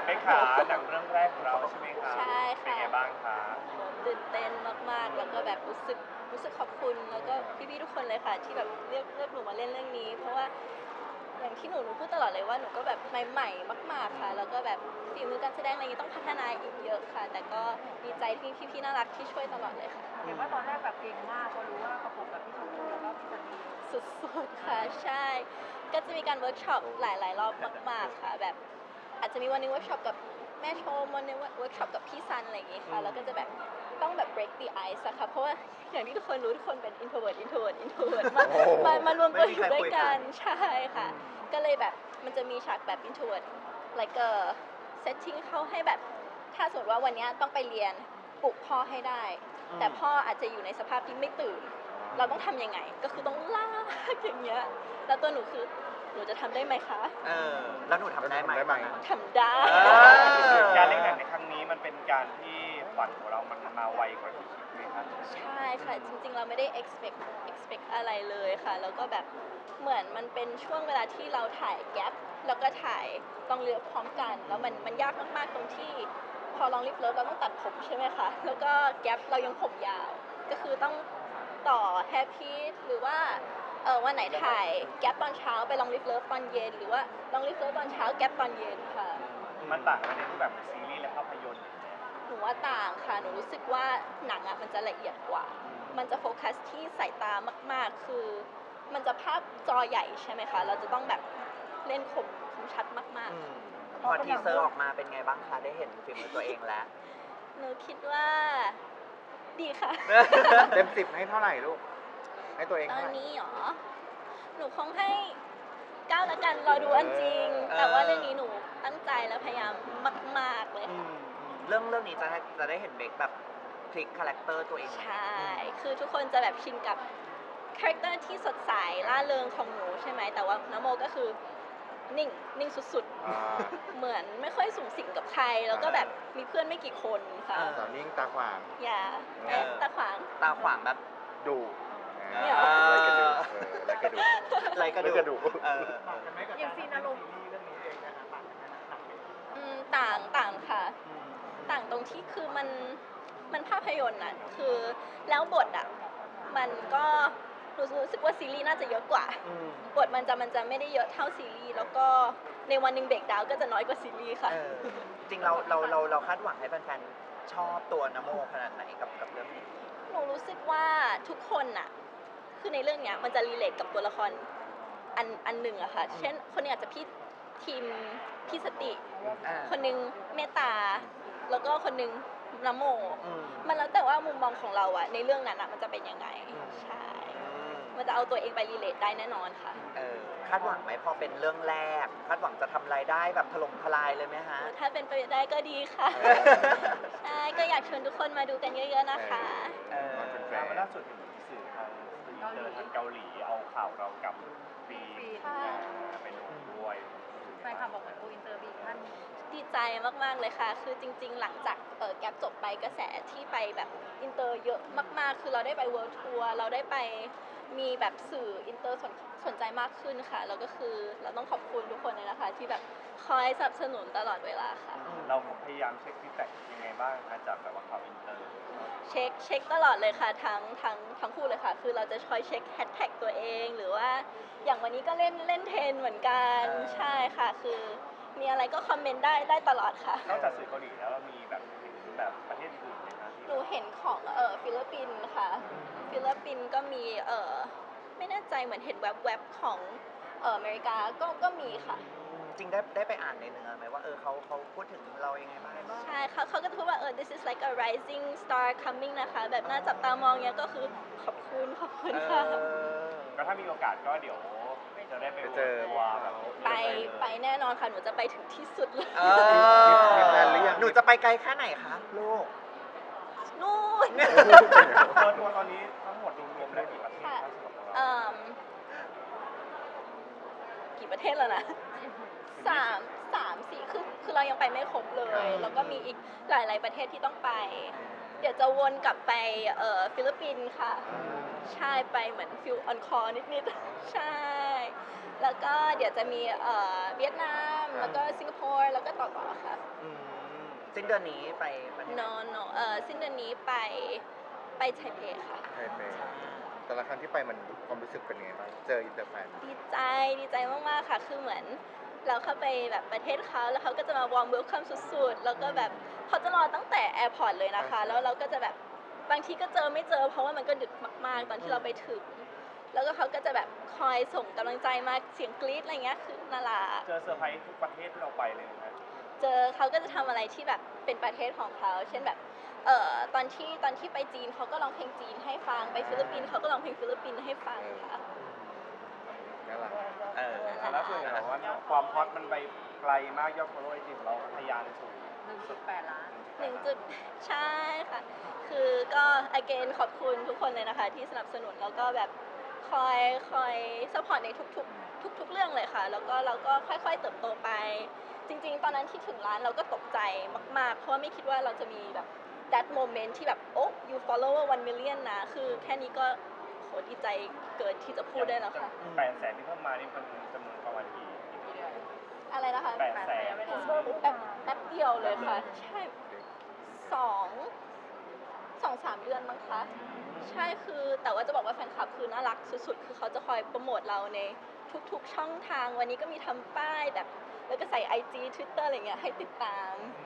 ไปขาหนังเรื่องแรกของเราใช่ไหมคะใช่ค่ะเป็นไงบ้างคะตื่นเต้นมากๆแล้วก็แบบรู้สึกขอบคุณแล้วก็พี่ๆทุกคนเลยค่ะที่แบบเลือกหนูมาเล่นเรื่องนี้ เพราะว่าอย่างที่หนูพูดตลอดเลยว่าหนูก็แบบใหม่ๆมากๆค่ะแล้วก็แบบฝีมือการแสดงอะไรอย่างนี้ต้องพัฒนาอีกเยอะค่ะ แต่ก็ดีใจที่พี่ๆน่ารักที่ช่วยตลอดเลยค่ะเห็นว่าตอนแรกแบบเก่งมากพอรู้ว่าประกบกับพี่ชมพู่แล้วก็พี่ซันนี่สุดๆค่ะใช่ ก็จะมีการเวิร์กช็อปหลายๆรอบมากๆค่ะแบบอาจจะมีวันหนึงเวิร์กช็อปกับแม่ชมวันหนึงเวิร์กช็อปกับพี่ซันอะไรอย่างงี้ค่ะแล้วก็จะแบบต้องแบบ break the ice อะค่ะเพราะว่าอย่างที่ทุกคนรู้ทุกคนเป็น introvert มารวมตัวอยู่ด้วยกันใช่ค่ะ ก็เลยแบบมันจะมีฉากแบบ introvert like a setting เข้าให้แบบถ้าสมมติว่าวันนี้ต้องไปเรียนปลุกพ่อให้ได้ แต่พ่ออาจจะอยู่ในสภาพที่ไม่ตื่น เราต้องทำยังไง ก็คือต้องลากอย่างเงี้ย แล้วตัวหนูคือหนูจะทำได้ไหมคะแล้วหนูทำได้ไหมทำได้การเล่นหนังในครั้งนี้มันเป็นการที่ฝันของเรามันมาไวกว่าที่คิดไหมคะใช่ค่ะ จริงๆ เราไม่ได้ expect อะไรเลยค่ะ แล้วก็แบบเหมือนมันเป็นช่วงเวลาที่เราถ่ายแก๊ปแล้วก็ถ่ายลองเรือพร้อมกัน แล้วมันยากมากๆ ตรงที่พอลองลิฟต์เลิฟเราต้องตัดผมใช่ไหมคะ แล้วก็แก๊ปเรายังผมยาว ก็คือต้องต่อแฮปปี้หรือว่าวันไหนถ่ายแก๊ปตอนเช้าไปลองลิฟต์เลิฟตอนเย็น หรือว่าลองลิฟต์เลิฟตอนเช้าแก๊ปตอนเย็นค่ะมันต่างกันในรูปแบบซีรีส์และภาพยนตร์หนูว่าต่างค่ะ หนูรู้สึกว่าหนังมันจะละเอียดกว่า มันจะโฟกัสที่สายตามากๆ คือมันจะภาพจอใหญ่ใช่ไหมคะ เราจะต้องแบบเล่นคมชัดมากๆพอทีเซอร์ออกมาเป็นไงบ้างคะ ได้เห็นฝีมือตัวเองแล้วหนูคิดว่าดีค่ะเต็ม 10ให้เท่าไหร่ลูก ให้ตัวเองตอเท่าน ไหร่นี้หรอ หนูคงให้9ละกันรอดูอันจริง แต่ว่าเรื่องนี้หนูตั้งใจและพยายามมากๆเลยค่ะเรื่องนี้จะได้เห็นเบคแบบพลิกคาแรคเตอร์ตัวเองไหมใช่ คือทุกคนจะแบบชินกับคาแรคเตอร์ที่สดใสล่าเริงของหนูใช่ไหม แต่ว่าน้ำโมก็คือนิ่งสุดอ่าๆ เหมือนไม่ค่อยสูงสิงกับใคร แล้วก็แบบมีเพื่อนไม่กี่คนค่ะสาวนิ่งตาขวางอย่าตาขวางตาขวางแบบดุเนี่ยเหรอไล่กระดูกไรกระดูไล่กระดูกอย่างซีนอารมณ์ต่างค่ะ ต่างตรงที่คือมันภาพยนตร์น่ะคือแล้วบทอ่ะมันก็รู้สึกว่าซีรีส์น่าจะเยอะกว่า บทมันจะไม่ได้เยอะเท่าซีรีส์แล้วก็ในวันหนึ่งเบรกดาวน์ก็จะน้อยกว่าซีรีส์ค่ะจริงเราคาดหวังให้แฟนๆชอบตัวนโมขนาดไหนกับเรื่องนี้หนูรู้สึกว่าทุกคนน่ะคือในเรื่องเนี้ยมันจะรีเลทกับตัวละครอันหนึ่งอะค่ะ เช่นคนนึงอาจจะทีมพี่สติ คนหนึงเมตตา แล้วก็คนหนึงนโม มันแล้วแต่ว่ามุมมองของเราอะในเรื่องนั้นอะมันจะเป็นยังไง ใช่ มันจะเอาตัวเองไปรีเลทได้แน่นอนค่ะคาดหวังไหมพอเป็นเรื่องแรก คาดหวังจะทำรายได้แบบถล่มทลายเลยไหมฮะถ้าเป็นไปได้ก็ดีค่ะ ใช่ ก็อยากชวนทุกคนมาดูกันเยอะๆนะคะล่าสุดเห็นสื่อทางเกาหลีเอาข่าวเรากับปีไปลงด้วยแฟนคลับบอกเหมือนโกอินเตอร์บีท่านดีใจมากๆเลยค่ะ คือจริงๆ หลังจากแก๊ปจบไปกระแสที่ไปแบบอินเตอร์เยอะมากๆ คือเราได้ไปเวิลด์ทัวร์เราได้ไปมีแบบสื่ออินเตอร์สนใจมากขึ้นค่ะ แล้วก็คือเราต้องขอบคุณทุกคนเลยนะคะที่แบบคอยสนับสนุนตลอดเวลาค่ะเราพยายามเช็คฟีดแบ็กยังไงบ้างคะจากแบบว่าข่าวอินเตอร์เช็คตลอดเลยค่ะทั้งคู่เลยค่ะ คือเราจะคอยเช็คแฮชแท็กตัวเองหรือว่าอย่างวันนี้ก็เล่นเทรนเหมือนกันใช่ค่ะ คือมีอะไรก็คอมเมนต์ได้ตลอดค่ะนอกจากสื่อเกาหลีแล้วมีแบบเห็นแบบประเทศอื่นไหมคะหนูเห็นของฟิลิปปินส์ค่ะ ฟิลิปปินส์ก็มีไม่แน่ใจเหมือนเห็นแวบๆของอเมริกาก็มีค่ะจริงได้ไปอ่านในเนื้อไหมว่าเขาพูดถึงเรายังไงบ้างใช่เขาก็จะพูดว่าthis is like a rising star coming นะคะแบบน่าจับตามองเนี้ยก็คือขอบคุณค่ะก็ถ้ามีโอกาสก็เดี๋ยวจะได้ไปเจอว่าแบบไปแน่นอนค่ะ หนูจะไปถึงที่สุดเลยมีแพลนหรือยังหนูจะไปไกลแค่ไหนคะลูกนู่นทัวร์ตอนนี้ทั้งหมดรวมๆแล้วกี่ประเทศคะสำหรับเรากี่ประเทศแล้วนะ3-4คือเรายังไปไม่ครบเลย แล้วก็มีอีกหลายๆประเทศที่ต้องไป เดี๋ยวจะวนกลับไปฟิลิปปินส์ค่ะ ใช่ไปเหมือนฟิลออนคอร์นิดๆ ใช่ แล้วก็เดี๋ยวจะมีเวียดนามแล้วก็สิงคโปร์แล้วก็ต่อค่ะอืมสิ้นเดือนนี้ไปประเทศไหน no สิ้นเดือนนี้ไปไทเปค่ะไทเปแต่ละครั้งที่ไปมันความรู้สึกเป็นไงบ้างเจออินเตอร์แฟนดีใจมากๆค่ะคือเหมือนเราเข้าไปแบบประเทศเขาแล้วเขาก็จะมาวอร์มเวลคัมสุดๆแล้วก็แบบเขาจะรอตั้งแต่แอร์พอร์ตเลยนะคะ แล้วเราก็จะแบบบางทีก็เจอไม่เจอ เพราะว่ามันก็ดึกมากๆตอนที่เราไปถึง แล้วก็เขาก็จะแบบคอยส่งกำลังใจมาเสียงกรี๊ดอะไรเงี้ยคือน่ารักเจอเซอร์ไพรส์ทุกประเทศที่เราไปเลยนะเจอเขาก็จะทำอะไรที่แบบเป็นประเทศของเขา เช่นแบบตอนที่ไปจีนเขาก็ร้องเพลงจีนให้ฟัง ไปฟิลิปปินส์เขาก็ร้องเพลงฟิลิปปินส์ให้ฟังค่ะน่ารักแล้วส่วนใหญ่ว่าความฮอตมันไปไกลมากยอด follow ไอจีของเราทะยานสูง 1.8 ล้านใช่ค่ะ คือก็ again ขอบคุณทุกคนเลยนะคะ ที่สนับสนุนแล้วก็แบบคอย support ในทุกเรื่องเลยค่ะ แล้วก็เราก็ค่อยๆเติบโตไป จริงๆ ตอนนั้นที่ถึงร้านเราก็ตกใจมากๆ เพราะว่าไม่คิดว่าเราจะมีแบบ that moment ที่แบบโอ้ you follower 1 million นะ คือแค่นี้ก็โหดีใจเกินที่จะพูดได้แล้วค่ะ 800,000ที่เพิ่มมานี่เป็นจำนวนประมาณกี่อะไรนะคะ 800,000 แป๊บเดียวเลยค่ะ ใช่2-3 เดือนมั้งคะ ใช่คือแต่ว่าจะบอกว่าแฟนคลับคือน่ารักสุดๆ คือเขาจะคอยโปรโมทเราในทุกๆช่องทาง วันนี้ก็มีทำป้ายแบบ แล้วก็ใส่ IG Twitter อะไรเงี้ยให้ติดตาม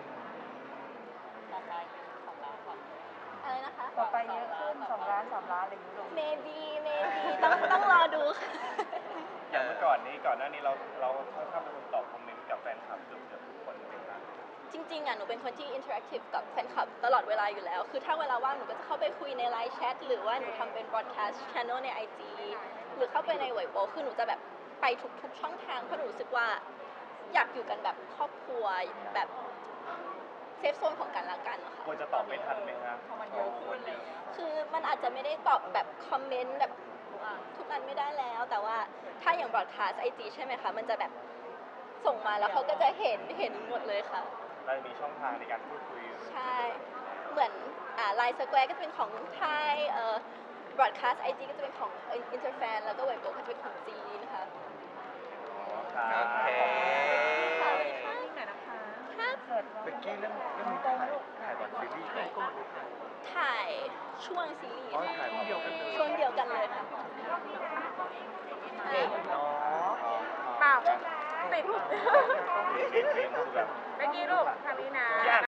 อะไรนะคะต่อไปเยอะขึ้น2 ล้าน 3 ล้านอะไรอย่างเงี้ยลง maybe ต้องรอดูค่ะอย่างเมื่อก่อนหน้านี้เราค่อนข้างเป็นคนตอบคอมเมนต์กับแฟนคลับเกือบทุกคนเลยนะจริงๆอ่ะหนูเป็นคนที่ interactive กับแฟนคลับตลอดเวลาอยู่แล้ว คือถ้าเวลาว่างหนูก็จะเข้าไปคุยในไลน์แชทหรือว่าหนูทำเป็น broadcast channel ใน IG หรือเข้าไปในเว็บโบคือหนูจะแบบไปทุกช่องทางเพราะหนูรู้สึกว่าอยากอยู่กันแบบครอบครัวแบบเซฟโซนของกันและกันนะคะควรจะตอบไม่ทันไหมครับพอมันเยอะขึ้นอะไรอย่างเงี้ยคือมันอาจจะไม่ได้ตอบแบบคอมเมนต์แบบทุกอันไม่ได้แล้ว แต่ว่าถ้าอย่าง broadcast IG ใช่ไหมคะ มันจะแบบส่งมาแล้วเขาก็จะเห็นหมดเลยค่ะเราจะมีช่องทางในการพูดคุยใช่ เหมือนไลน์สแควร์ก็จะเป็นของไทยbroadcast IG ก็จะเป็นของอินเตอร์แฟนแล้วก็เว็บโบก็จะเป็นของจีนค่ะครับโอเคขอบคุณค่ะนี่ไหนนะคะครับเกิดเบกกี้เรื่องนี้ถ่ายก่อนซีรีส์ถ่ายช่วงซีรีส์อ๋อถ่ายเดียวกันเลยช่วงเดียวกันเลยค่ะเก่งเนาะเปล่าติดเกมคือแบบเมื่อกี้ลูกทางนี้นะ